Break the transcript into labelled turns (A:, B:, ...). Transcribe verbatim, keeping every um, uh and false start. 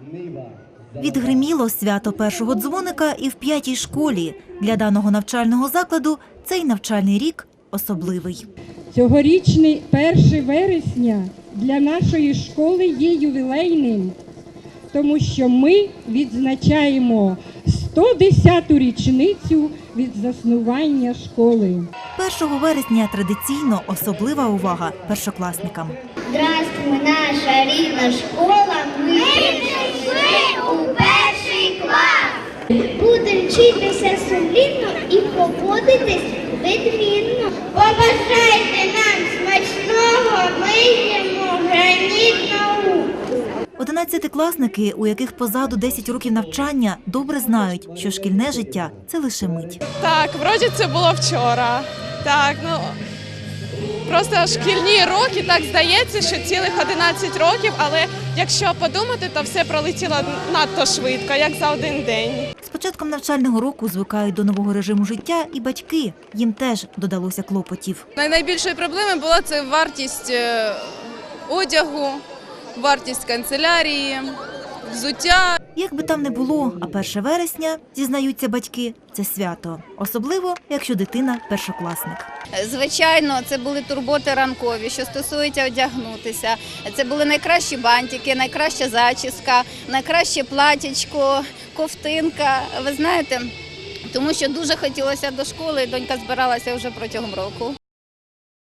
A: Відгриміло свято першого дзвоника і в п'ятій школі. Для даного навчального закладу цей навчальний рік особливий.
B: Цьогорічний перше вересня для нашої школи є ювілейним, тому що ми відзначаємо сто десяту річницю від заснування школи.
A: першого вересня традиційно особлива увага першокласникам.
C: Здравствуй, наша рідна школа, ми прийшли у перший клас. Будемо вчитися сумлінно і поводитись відмінно. Побажайте нам смачного, ми їмо граніт наук.
A: Одинадцятикласники, у яких позаду десять років навчання, добре знають, що шкільне життя – це лише мить.
D: Так, вроді це було вчора. Так, ну просто шкільні роки, так здається, що цілих одинадцять років, але якщо подумати, то все пролетіло надто швидко, як за один день.
A: З початком навчального року звикають до нового режиму життя і батьки. Їм теж додалося клопотів.
D: Найбільшою проблемою була це вартість одягу, вартість канцелярії, взуття.
A: Як би там не було, а перше вересня, зізнаються батьки, це свято. Особливо, якщо дитина – першокласник.
E: Звичайно, це були турботи ранкові, що стосується одягнутися. Це були найкращі бантики, найкраща зачіска, найкраще платічко, ковтинка. Ви знаєте, тому що дуже хотілося до школи, і донька збиралася вже протягом року.